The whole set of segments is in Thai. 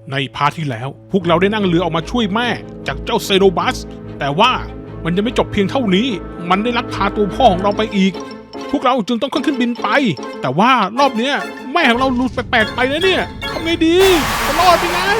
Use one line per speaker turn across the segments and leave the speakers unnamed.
ในพาร์ทที่แล้วพวกเราได้นั่งเรือออกมาช่วยแม่จากเจ้าเซโรบัสแต่ว่ามันยังไม่จบเพียงเท่านี้มันได้ลักพาตัวพ่อของเราไปอีกพวกเราจึงต้องขึ้นบินไปแต่ว่ารอบเนี้ยแม่ของเรารู้แปลกๆไปนะเนี่ยทำไงดีจะรอดไปนะ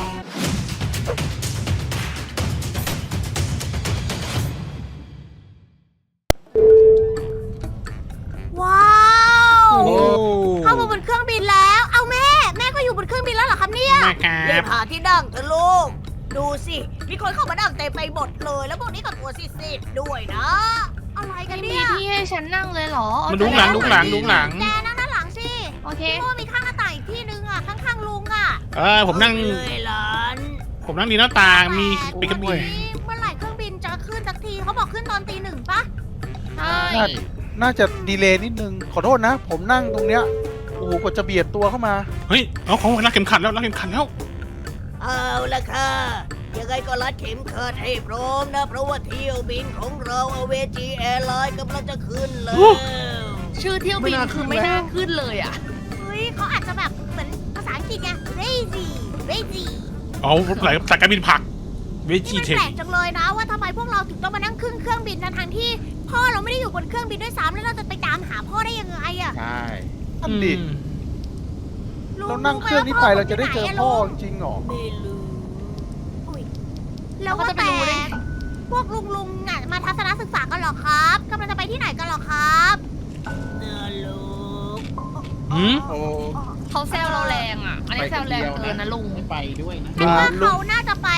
ว้าว เข้ามาบนเครื่องบินแล้ว เอาแม่ก็อยู่บนเครื่องบินแล้วเหรอครับเนี่ย
แม่ครั
เรีย
บ
กหาที่นั่งเถอะลูก ดูสิ มีคนเข้ามานั่งเต็มไปหมดเลย แล้วพวกนี้ก็ตัวซีดๆด้วยนะ อะไรกัน
ไม่มี
เนี่ย
ที่ให้ฉันนั่งเลยเหรอ
มันดุงหลัง
แกนั่งด้านหลังสิ
โอเค
พี่โมมีข้างหน้าต่างอีกที่นึงอ่ะ ข้างๆลุงอ่ะ
ผมนั่ง
เอาไปเลยหลาน
ดีหน้าต่างมีปีกกระ
แต่
บี่
เมื่อไหร่เครื่องบินจะขึ้นสักทีเขาบอกขึ้นตอนตี 1ปะ
ใช่
น่าจะดีเลย์นิดนึง ขอโทษนะ ผมนั่งตรงเนี้ย โอ้โหกว่าจะเบียดตัวเข้ามา
เฮ้ยเอาของรักเข็มขัดแล้ว
เอาละค่ะ ยังไงก็รัดเข็มขัดให้พร้อมนะ เพราะว่าเที่ยวบินของเราเอาเวจีแอร์ไลน์กำลังจะขึ้นแล้ว
ชื่อเที่ยวบินคือไม่น่าขึ้นเลยอ่ะ
เฮ้ยเขาอาจจะแบบเหมือนภาษาอังกฤษไง crazy
เอาหลายสายการบินผักเว
นี่
จี
มัน
เทค
แปลกจังเลยนะว่าทำไมพวกเราถึงต้องมานั่งขึ้นเครื่องบินทั้งที่ พ่อเราไม่ได้อยู่บนเครื่องบินด้วยซ้ำแล้วเราจะไปตามหาพ่อได้ยังไงอะ
ใช่นั่นดิ
ลุง
เรานั่งเครื่องนี้ไปเราจะได้เจอพ่อจริงเหรอ
ไม่รู้อุ๊ยแล้วว่า
เราก็จะไป
แต่
รู้ได้ไง
พวกลุงอ่ะมาทัศนศึกษากันเหรอครับกำลังจะไปที่ไหนกันเหรอครับลูก
หืม
โอ้
เขาแซวเราแรงอ่ะ อันนี้แซวแรงเกินนะลุง
ไปด้วยนะ
ฉันว่าเขาน่าจะไป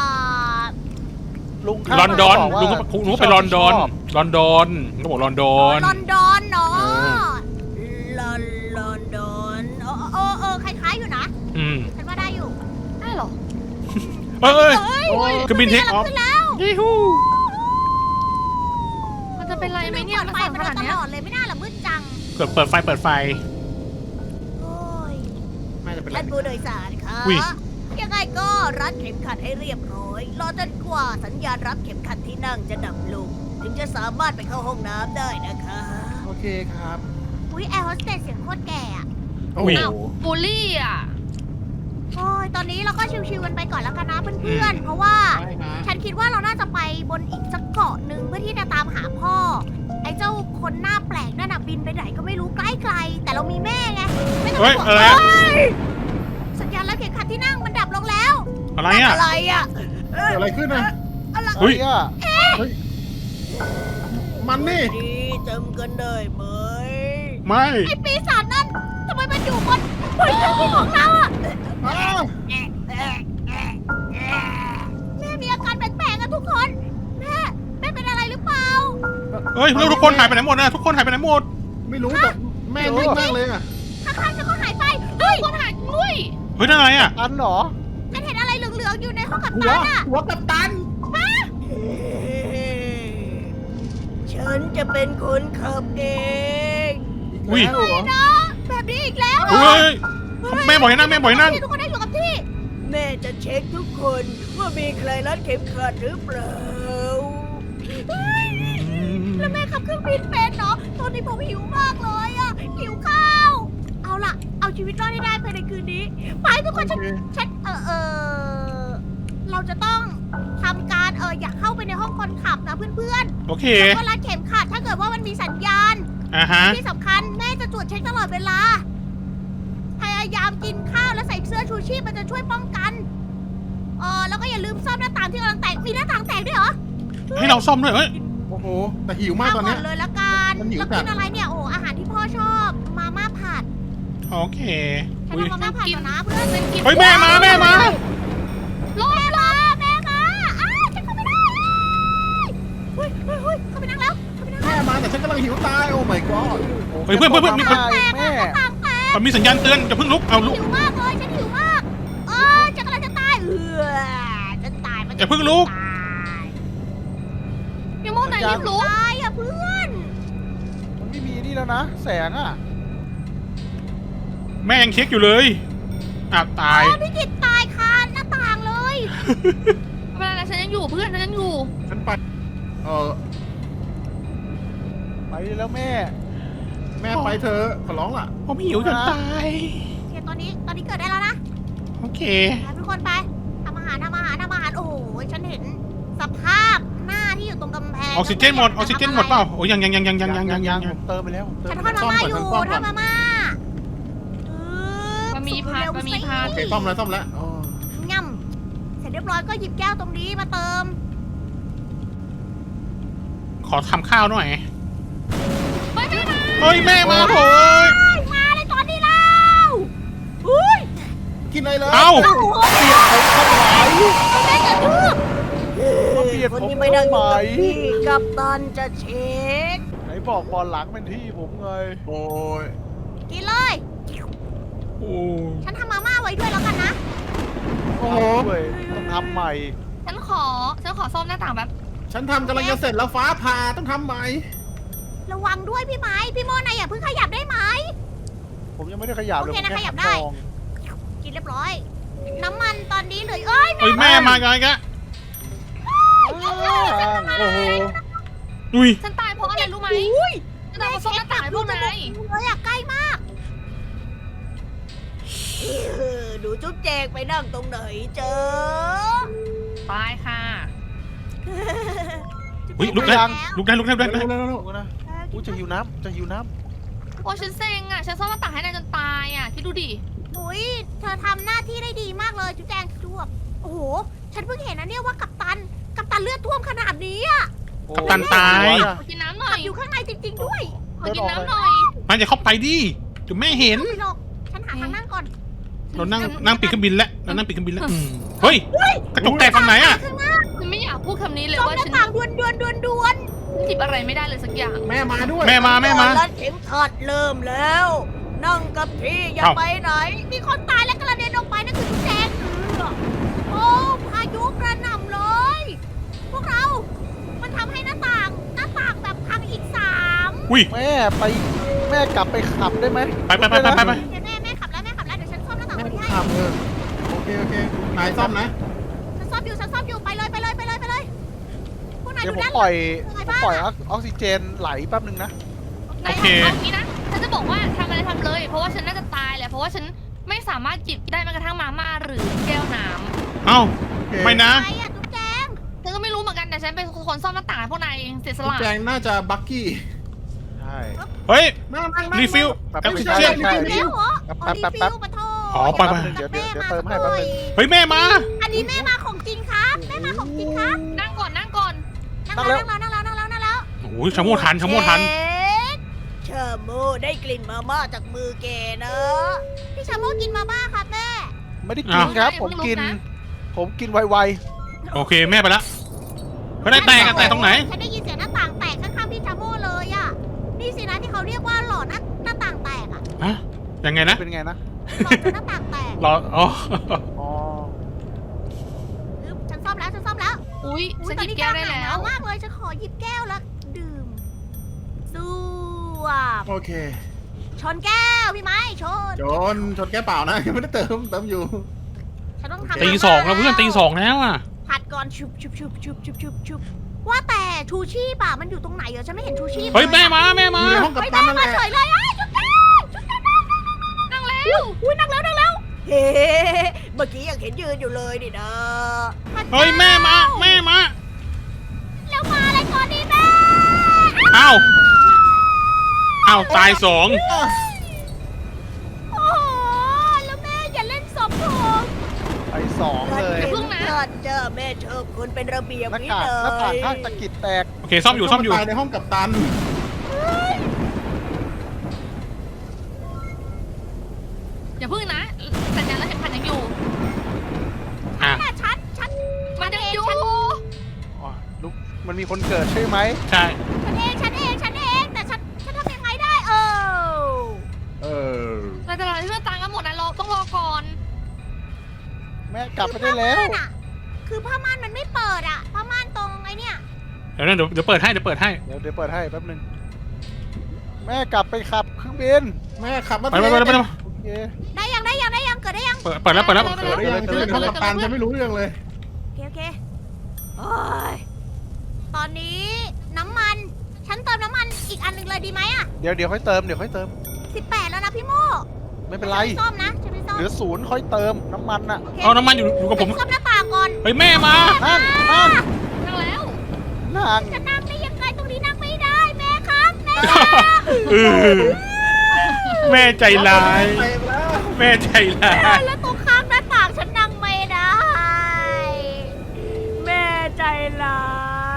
ลุงข้าง
ลอนดอน
บว่า
ลุงก็ไปลอนดอนก็บอกลอนดอน
ลอนดอนเนาะลอนดอนคล้ายๆอยู่นะ
อืม
ฉันว่าได้อยู่
ได้เหรอ
เอ้ย
เฮ้ย
เครื่องบินเทคออฟ
ขึ้นแล้ว
ยี่ฮู
มันจะเป็นไรไหมเนี่ย
ปิด
มัน
ไฟ
สั่น
มัน
ขนาด
ต
เนี้ย
ลอดเลยไม่น่าละมืดจัง
เปิดไฟ
โอ้ย
น่าจะเป็น
ท่านผู้โดยสารคะ
อุ๊ย
ยังไงก็รัดเข็มขัดให้เรียบร้อยรอจนกว่าสัญญาณรับเข็มขัดที่นั่งจะดับลงถึงจะสามารถไปเข้าห้องน้ำได้นะคะ
โอเคครับ
อุ้ยแอร์โฮสเตสเสียงโคตรแก่อะ
อุ้ย
อ้าวบูลลี่อ่ะ
โอ้ยตอนนี้เราก็ชิวๆกันไปก่อนแล้วกันนะเพื่อนๆเพราะว่า
ใช่ฮะ
ฉันคิดว่าเราน่าจะไปบนอีกสักเกาะหนึ่งเพื่อที่จะตามหาพ่อ ไอ้เจ้าคนหน้าแปลกนั่นน่ะบินไปไหนก็ไม่รู้ใกล้ไกลแต่เรามีแม่ไงไม่ต้อง
เฮ้ย
ห่วง
อะไรอะ
เฮ้ยสัญญาณรับเข็มขัดที่นั่งมันดับลงแล้ว
อะไรอ่ะ
อะไรอ่ะ
เกิดอะไรขึ้นนะ
อะไร
เฮ้ย
อ่ะ
มันนี่
นี่จำกันได้ไหม
ไม่
ไอ้ปีศาจนั่นทำไมมันอยู่บนเครื่องบินของเราอ่ะ
อ้าว
แม่มีอาการแปลกๆอะทุกคนแม่เป็นอะไรหรือเปล่า
เฮ้ยแล้วทุกคนหายไปไหนหมดนะทุกคนหายไปไหนหมด
ไม่รู้แต่แม่นิ่งมากเลยอ่ะ
ข้างๆฉันก็หายไปเฮ้ย
คนหายด้วย
เฮ้ยนั่นอะไรอ่ะ
อันเหรอ
ฉันเห็นอะไรเหลืองๆอยู่ในห้องกับ
หัว
ตันอะ
หัวกับตัน
ฉันจะเป็นคนขับเอง
อุ้ย
แล้วเหรอ
นะแบบนี้อีกแล้วเหรอ
เฮ้ยแม่บอกให้นั่งแม่บอกให้นั่ง
ทุกคนได้อยู่กับที่ แม่จะเช็คทุกคนว่ามีใครรัดเข็มขัดหรือเปล่าเฮ้ยแล้วแม่ขับเครื่องบินเป็นเนาะตอนนี้ผมหิวมากเลยอะหิวข้าว เอาล่ะ เอาชีวิตรอดให้ได้ภายในคืนนี้ ไปทุกคนฉันเราจะต้องทำการอยากเข้าไปในห้องคนขับนะเพื่อน
โอเค
ๆแล้วก็รัดเข็มขัดถ้าเกิดว่ามันมีสัญญาณ
อ่าฮะ
ที่สำคัญแม่จะตรวจเช็คตลอดเวลา พยายามกินข้าวและใส่เสื้อชูชีพมันจะช่วยป้องกันแล้วก็อย่าลืมซ่อมหน้าต่างที่กำลังแตก มีหน้าต่างแตกด้วยเหรอ
ให้เราซ่อมด้วยเฮ้ย
โอ้โห แต่หิวมากตอนเนี้ย
ข้วก่เลยละกัน
มันหิว
แล้ว
จั
กิ
ด
นอะไรเนี่ย โอ้อาหารที่พ่อชอบ มาม่าผัด
โอเค
ฉัน
อุ้ย
เอามาม่าผัดก่อนนะเพื่อน
เฮ้ยแม่มา
แม่มาฉันเข้าไม่ได้เฮ้ยเข้าไปนั่งแล้วเข้าไปนั่ง
แม่
แล้ว
มาแต่ฉันกำลังหิวตาย โอ้ my god
เฮ้ยเพื่อนมีคน
แม่
แม่ต่างแตก
มันมีสัญญาณเตือนจะเพิ่งลุกเอาลุก
หิวมากเลยฉันหิวมากฉันกำลังจะตายฉันตายมัน
อย่าเพิ่งลุก
ตาย
พี่โมไหนรีบลุก
ตายอ่ะเพื่อน
มันไม่มีนี่แล้วนะ แสงอ่ะ
แม่ยังเช็คอยู่เลยอ่ะตาย
พี่กิตตายคาหน้าต่างเลย
ไม่เป็นไรฉันยังอยู่เพื่อนฉันยังอยู่
ฉันไป
ไปแล้วแม่
แม่ไปเธอะขอร้องล่ะ
ผมหิวจนตาย
โอเคตอนนี้เกิดได้แล้วนะ
โอเค
ไปทุกคนไปทำอาหารโอ้โหฉันเห็นสภาพหน้าที่อยู่ตรงกำแพง
ออกซิเจนหมดเปล่าโอ้ยยัง
ผมเติมไปแล้วผมเติ
ฉั
ม
น
ไป
ทอด
แล้ว
มาม่าอยู่ทอดมาม่า
บะหมี่ผัดบะหมี่ผัด
โอเคซ่อมแล้วอ๋อ
ง่ำเสร็จเรียบร้อยก็หยิบแก้วตรงนี้มาเติม
ขอทำข้าวหน่อย
ไม่มา
เฮ้ยแม่มาโถย
มาเลยตอนนี้แล้วอุ้ย
กินอะไรเลย
เอ้า
โอ้โห
เปลี่ยนผมทำไม
แม่กระทืบ
เปลี่ยน
คน
ผม
นี้ไม่ได้
ทำไม
พี่กัปตันจะเช็ค
ไหนบอกบอลหลังเป็นที่ผมไง
โอ้ย
กินเลย
โอ้
ฉันทำมาม่าไว้ด้วยแล้วกันนะ
โอ้โห
ด้วยต้องทำใหม่
ฉันขอซ่อมหน้าต่างแบบ
ฉันทำกำลังจะเสร็จแล้วฟ้าผ่าต้องทำใหม่
ระวังด้วยพี่ไม้พี่โมนายอย่าเพิ่งขยับได้ไหม
ผมยังไม่ได้ขยับเลย
โอเคนะ
ผมแค่
ขยับได้
มอง
กินเรียบร้อย น้ำมันตอนนี้เหลยเอ้ย
เฮ้ยแม่มาไงกะ
โอ้โห
อุ้ย
ฉันตายเพราะอะไรรู้ไหม
อุ้ย
ฉันตายเพราะซ่อมหน้าต่างให้พวกนาย
เลยอะใกล้มากดูจุ๊บแจงไปนั่งตรงไหนเจอ
ตายค่ะ
อุ้ยลุกได้ลุกได้
เร็ว
ดูนะอู้จะหิวน้ำ
โอ้ฉันเซ็งอ่ะฉันซ่อมหน้าต่างให้นายจนตายอ่ะคิดดูดิ
อุ้ยเธอทำหน้าที่ได้ดีมากเลยจุ๊บแจงจวบโอ้โห ฉันเพิ่งเห็นนะเนี่ยว่ากัปตันเลือดท่วมขนาดนี้อะ
โอ้
กัปตันตาย
ขอกินน้ำหน่อ
ขั
ย
บอยู่ข้างในจริง ๆ ด้วย
ขอกินน้ำหน่อย
มันจะเข้าไปดิเดี๋ยวแม่เห็น
ไม่หรอกฉันหาทางนั่งก่อน
เรานั่งปีกเครื่องบินแล้วเฮ้ยกระจกแตกฝั่งไหนอะ
ข้างหน้า
ฉันไม่อยากพูดคำนี้เลย
ซ่อม
ว่า
หน้า
ฉัน
ต่างด่วน
จิบอะไรไม่ได้เลยสักอย่าง
แม่มาด้วย
แม่มา
รัดเข็มขัดเริ่มแล้ว นั่งกับที่อย่า
เอ้า
ไปไหน มีคนตายและกระเด็นออกไปนั่นคือจุ๊บแจงโอ้พายุกระหน่ำเลย พวกเรา มันทำให้หน้าต่างแบบพังอีกสาม
อุ้ย
แม่กลับไปขับได้ไหม
ไป
เดี๋ยวแม่ขับแล้วเดี๋ยวฉันซ่อมหน้าต่าง
แม่
คนที่ให้
ขับโอเคนายซ่อมนะ
ฉันซ่อมอยู่ไปเลยพวกนาย
เดี๋ยว
ดู
ผม
ด้าน
ป
ห
ล่
ลั
อง ยออกซิเจนไหลแป๊บนึงนะ
โอเค
เอางี้นะ ฉันจะบอกว่าทำอะไรทำเลย เพราะว่าฉันน่าจะตายแหละ เพราะว่าฉันไม่สามารถจิบได้แม้กระทั่งมาม่าหรือแก้วน้
เอ้าไม่นะ
ไปอ่ะจุ๊บแจง
ำฉันก็ไม่รู้เหมือนกันแต่ฉันเป็นคนซ่อมหน้าต่างให้พวกนายเองเสียสละ
แจงน่าจะบักกี้
ใช่
เฮ้ย
นั่ง
รีฟิล
แป๊บ
แอป
นึง
เชียน
ใช่
เดี๋ยวเหรอ
แป๊บ
รีฟิลมาโทษ
อ๋อไป
เดี๋ยวเติมให้แป๊บนึง
เฮ้ยแม่มา
อันนี้แม่มาของจริงครับแม่มาของจริงครับ
นั่งก่อน
นั่งแล้ว
โอ้ยชะโมทัน
เชโมได้กลิ่นมาม่าจากมือแกนะพี่ชาโมกินมาม่าครับแม่
ไม่ได้กินครับ ผมกินไว
โอเคแม่ไปละเฮ้ยแตกตรงไหน
ฉันได้ยินเสียงหน้าต่างแตกข้างๆพี่ชาโมเลยอ่ะนี่สินะที่เขาเรียกว่าหลอดหน้าต่างแตกอ่ะ
ฮะยังไงนะ
เป็นไงนะ
หลอดจนหน้าต่างแตก
รออ๋อ
อ๋อ
ฉันซ่อมแล้ว
อุ้ยฉัน
ตอ
หยิบ
นี้
แก้วได้แล้ว
มากเลยฉันขอหยิบแก้วแล้วดื่มสู้บ
โอเค
ชนแก้วพี่ไม้ชน
ชนแก้เปล่านะยังไม่ได้เติมอยู่
ฉันต้องทำ
ตีสองแล้วเพื่อนตีสองแล้วอ่ะ
ผัดก่อนชุบว่าแต่ชูชีพอะมันอยู่ตรงไหนเหรอฉันไม่เห็นชูชีพ
เฮ้ยแม่มา
อยู่ในห้องกับ
เฮ้ย
ตั
แม่
นนั่นแห
มา
ละ
เฉยเลยจุ๊บแก้วนั่งแล้วอุ้ยนั่งแล้วเฮ้เมื่อกี้ยังเห็นยืนอยู่เลยนี่นะ
เฮ้ยแม่มา
แล้วมาอะไรก่อนดีแม่
อ้าวตายสอง
โอ้โหแล้วแม่อย่าเล่นศพผม
ไปสองเลย
อย่าเพิ่งนะ
เจ้าแม่เชิญคนเป็นระเบียบ
หน้า
นี่
กาก
เล
หน้าต่าง
ย
ข้างตะกิดแตก
โอเคซ่อมอยู่
ตายในห้องกับตัน
อย่าพึ่งนะ สัญญาณแล้วเข็มขัดยังอยู่
อ่ะ
แม่ชัด
มันยังอยู่
อ๋อลุกมันมีคนเกิดใช่ไหม
ใช่
ฉันเองแต่ฉันทำยังไงได้
เออ
เราจะรอที่เพื่อนตายกันหมดนะเราต้องรอก่อน
แม่กลับไปได้แล้ว
คือผ้าม่านมันไม่เปิดอะผ้าม่านตรงไอ้เนี่ย
เดี๋ยวเปิดให้
เดี๋ยวเปิดให้แป๊บนึงแม่กลับไปขับเครื่องบิน
แม่ขับมา
ไป
โอเค
ได้ยังเกิดได้ยัง
เปิดแล้ว
เกิดได้ยังฉันอยู่ในห้องกับตันฉันไม่รู้เรื่องเลย
โอเคโอ้ยตอนนี้น้ำมันฉันเติมน้ำมันอีกอันหนึ่งเลยดีไหมอะ
เดี๋ยวค่อยเติม
18แล้วนะพี่โม
ไม่เป็นไร
ซ่อมนะฉันไม่ซ่อม
เหลือ0ค่อยเติมน้ำมันน่ะ
โอเค
เอาน้ำมันอยู่กับผม
ซ่อมหน้าต่างก่อน
เฮ้ยแม่มา
นั่ง
นั่งแล้ว
นั่ง
จะนั่งได้ยังไงตรงนี้นั่งไม่ได้แม่ครับแม่
เออแม่ใจร้าย
ไปแล้ว
แม่ใจร้าย
แล้วตรงข้างหน้าต่างฉันนั่งไม่ได้ แม่ใจร้าย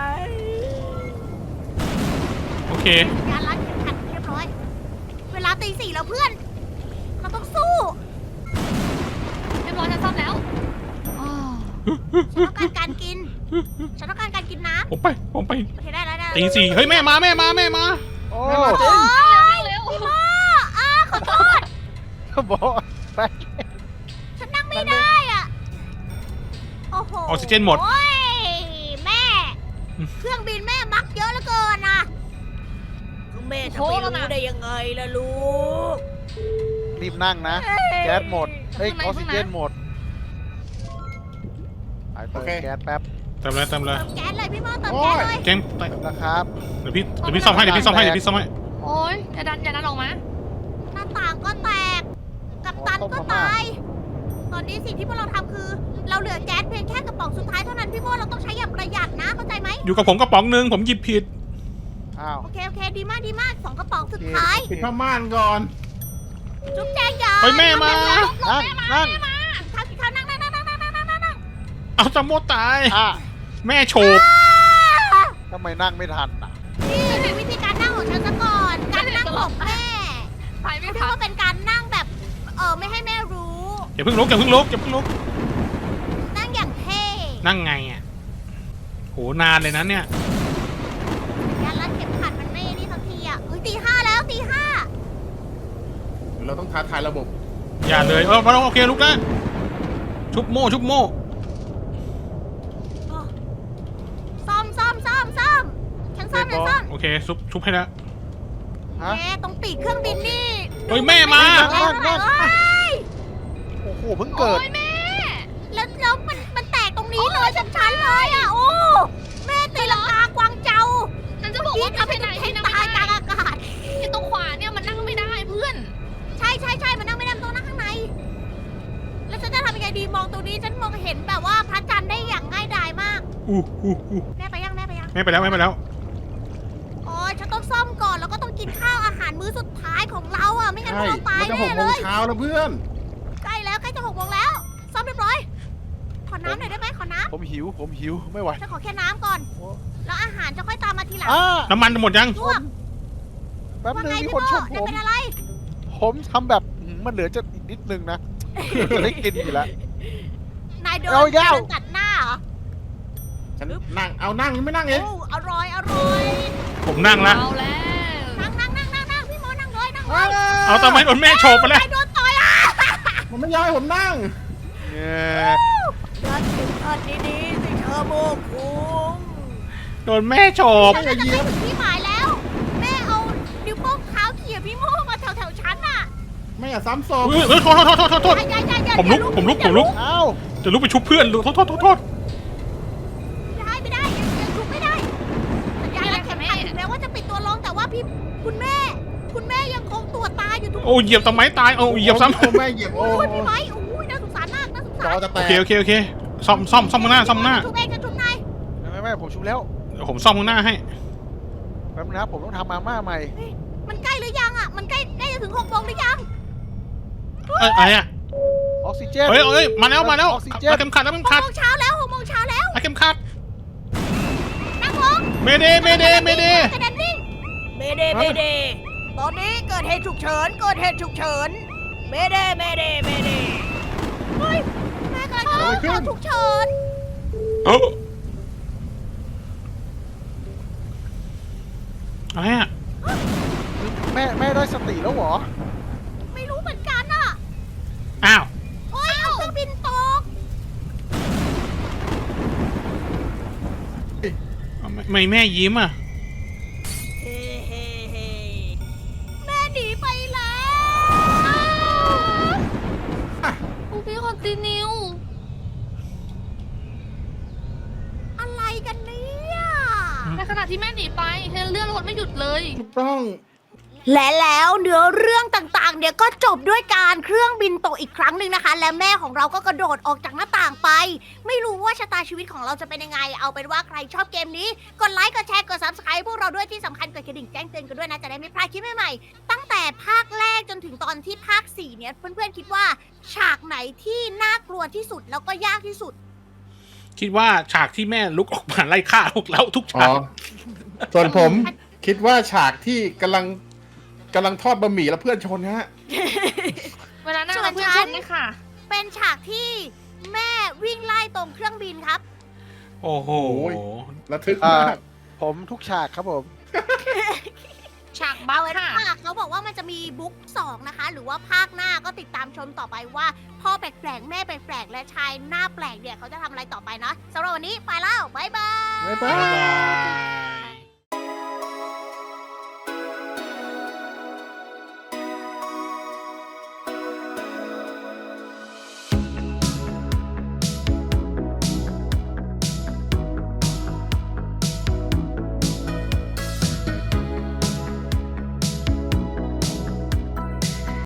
โอเค
งานรัดเข็มขัดเรียบร้อย เวลาตี 4แล้วเพื่อน เราต้องสู้
เรียบร้อยฉันซ่อมแล้วอ้าว
ฉันต้องการการกิน ฉันต้องการการกินน้
ผมไป
ำโอเคได้แล้วได้
ตีสี่เฮ้ยแม่มา
โอ้
โอ้ย
เร็ว
พี่โมขอโทษ
บอกไป
ฉันนั่งไม่ได้อ่ะ โอ้โห
ออกซิเจนหมด
โอ้ยแม่ เครื่องบินแม่มักเยอะเหลือเกินนะคือแม่จะไม่รู้ได้ยังไงล่ะลูก
รีบนั่งนะ แก๊สหมดเฮ้ยออกซิเจนหมดไปเติมแก๊สแป๊บ
เติมเลย
เติมแก๊สเลยพี่โมเติมแก๊สเลย
แกง
เติมนะครับ
เดี๋ยวพี่ซ่อมให้
โอ๊ยอย่าดันออกมา
หน้าต่างก็แตก กัปตันก็ตาย ตอนนี้สิ่งที่พวกเราทำคือ เราเหลือแก๊สเพียงแค่กระป๋องสุดท้ายเท่านั้นพี่โมเราต้องใช้อย่างประหยัดนะเข้าใจไหม
อยู่กับผมกระป๋องหนึงผมหยิบผิด
อ้าว
โอเคดีมากสองกระป๋องสุดท้าย
ปิดผ้าม่านก่อน
จุ๊บแจงอย่า
เฮ้ยแม่มา
นั่ง
ข้าวนั่ง
เอาจำโมตาย
อ่ะ
แม่โฉบ
ทำไมนั่งไม่ทันอ่ะ
นี่เป็นวิธีการนั่งของฉันซะก่อน การนั่งของแม่
ไปไม่
เรีย
ทั
ก
น
ว่าเป็นการนั่งแบบ ไม่ให้แม่รู้
อย่าเพิ่งลุก
นั่งอย่างเท่
นั่งไงอ่ะโหนานเลยนะเนี่ย
การรัดเข็มขัดมันไม่นี่สักทีอ่ะเฮ้ยตี 5แล้วตี
เราต้องท้าทายระบบ
อย่าเลยมาลงโอเคลุกนะชุบโม่
5ซ่อมฉันซ่อม
โอเคชุบให้แล้ว
ฮะ
แกตรงปีกเครื่องบินนี่
เฮ้ยแม่มา
โอ้โหเพิ่งเกิด
โอ๊ยแม่
แล้วมันแตกตรงนี้เลยชันๆเลยอ่ะโอ้แม่ตีลังกากวางเจ้า
ฉันจะบอกว่าไปไหนที่นั่ง
ตายกลาง
ไม่ได้
อากาศ
ที่ตรงขวาเนี่ยมันนั่งไม่ได้เพื่อน
ใช่มันนั่งไม่ได้มันต้องนั่งข้างใน แล้วฉันจะทำยังไงดีมองตรงนี้ฉันมองเห็นแบบว่าพระจันทร์ได้อย่างง่ายดายมาก แม่ไปยัง
แม่ไปแล้ว
โอ้ยฉันต้องซ่อมก่อนแล้วก็ต้องกินข้าวอาหารมื้อสุดท้ายของเราอ่ะไม่งั้นพว
ใช่
กเราตาย
มันจะ6
แน่
โม
เล
ง
ย
เช้าแล้วเพื่อน
ใกล้จะ6 โมงแล้วซ่อมเรียบร้อยขอน้ำหน่อยได้ไหมขอน้
ผมหิวไม่ไหว
ำฉันขอแค่น้ำก่อน แล้วอาหารจะค่อยตามมาทีหลัง
อ่า
น้ำมันหมดยัง
ลวก
แป๊บ
ว่า
นึง
ไง
มี
พี่
คน
โม
ชม
จะ
ผม
เป็นอะไร
ผมทำแบบมันเหลือจะอีกนิดนึงนะจะได้กินอยู่แล้ว
นายเดิน
เอายาว
ตัดหน้าเหรอ
ฉันนั่งไม่นั่งเอง
โอ้อร่อย
ผมนั่งละ
เอาแล้ว
นั่งพี่โมนั่งเลย
เอาทำไมโดนแม่โฉบไปแล้ว
นายโดนต่อยอ่ะ
มันไม่ยอมให้ผมนั่ง
เนี่ย
รัดเข็มขัดดีๆสิเธอโมคุง
โดนแม่โฉบ
ฉันจะไปถึงที่หมายแล้ว แม่เอานิ้วโป้งเท้าเขี่ยพี่โมมาแถวฉันอ่ะ
ไม่อยากซ้ำศพ
เฮ้ยโทษ
อย่า
ผมลุก
เอ้า
จะลุกไปชุบเพื่อนโทษ
ไม่ได้ยังลุกไม่ได้สัญญาณรัดเข็มขัดถึงแม้ว่าจะปิดตัวลงแต่ว่าคุณแม่ยังคงตัวตายอยู่ทุก
โอ้เหยียบทำไมตายเหยียบซ้ำ
โอ้แม่เหยียบ
โอ้ยพี่ไม้โอ้ยน่าสงสารมากน่าสง
จ
สา
อ
ร
จะแต
โอกเคซ่อมข้างหน้า
ชุบเองจะชุบนาย
ไม่ผมชุบแล้ว
เดี๋ยวผมซ่อมข้างหน้าให้
แป๊บนึงนะผมต้องทำมาม่าใหม่
มันใกล้หรือยังอ่ะมันใกล้จะถึง6 โมงหรือยัง
อะไรอ่ะ
ออกซิเจน
เฮ้ยมาแล้ว
ออกซิเจน
เอาเข็มขัด
6 โมงเช้าแล้ว6 โมงเช้าแล้ว
เอาเข็มขัด
นั่งลง
เมเด
กระเด็นวิ่งเมเดตอนนี้เกิดเหตุฉุกเฉินเมเดเฮ้ยแม่กำลังเข้าข่าวฉุกเฉิน
อะไรอ่ะ
แม่ได้สติแล้วเหรอ
ไม่รู้เหมือนกันอ่ะ
อ้าว
โอ้ยเอาเครื่องบินตก
ไม่แม่ยิ้มอ่ะ
เฮ้แม่หนีไปแล้ว
พี่คอนติเนีย
อะไรกันเนี่ย
ในขณะที่แม่หนีไปฉันเลื่อนรถไม่หยุดเลย
ถูกต้อง
และแล้วเนื้อเรื่องต่างๆเนี่ยก็จบด้วยการเครื่องบินตกอีกครั้งหนึ่งนะคะ และแม่ของเราก็กระโดดออกจากหน้าต่างไป ไม่รู้ว่าชะตาชีวิตของเราจะเป็นยังไง เอาเป็นว่าใครชอบเกมนี้กดไลค์กดแชร์กด subscribe พวกเราด้วยที่สำคัญกดกระดิ่งแจ้งเตือนกันด้วยนะจะได้ไม่พลาดคลิปใหม่ๆตั้งแต่ภาคแรกจนถึงตอนที่ภาค4เนี่ยเพื่อนๆคิดว่าฉากไหนที่น่ากลัวที่สุดแล้วก็ยากที่สุด
คิดว่าฉากที่แม่ลุกออกมาไล่ฆ่าพวกเราทุก
อ๋
ฉา
อก ส่วนผมคิดว่าฉากที่กำลังทอดบะหมี่แล้วเพื่อนชนฮะ
เวลานั่ง
ส่วน
กับเพื่อน
ฉั
ช
น
นนี่ค่ะ
เป็นฉากที่แม่วิ่งไล่ตรงเครื่องบินครับ
โอ้โห
โอ้ย ระทึก
อ่าม
าก
ผมทุกฉากครับผม
ฉากบั
เอา
ฟ
ไว้
ค่ะ
ค่ะเขาบอกว่ามันจะมีบุ๊ก2นะคะ หรือว่าภาคหน้าก็ติดตามชมต่อไปว่าพ่อแปลกๆแม่แปลกๆและชายหน้าแปลกเนี่ยเขาจะทำอะไรต่อไปนะสำหรับวันนี้ไปแล้วบ๊ายบาย
บ๊ายบา
บ๊าย
ย
บาย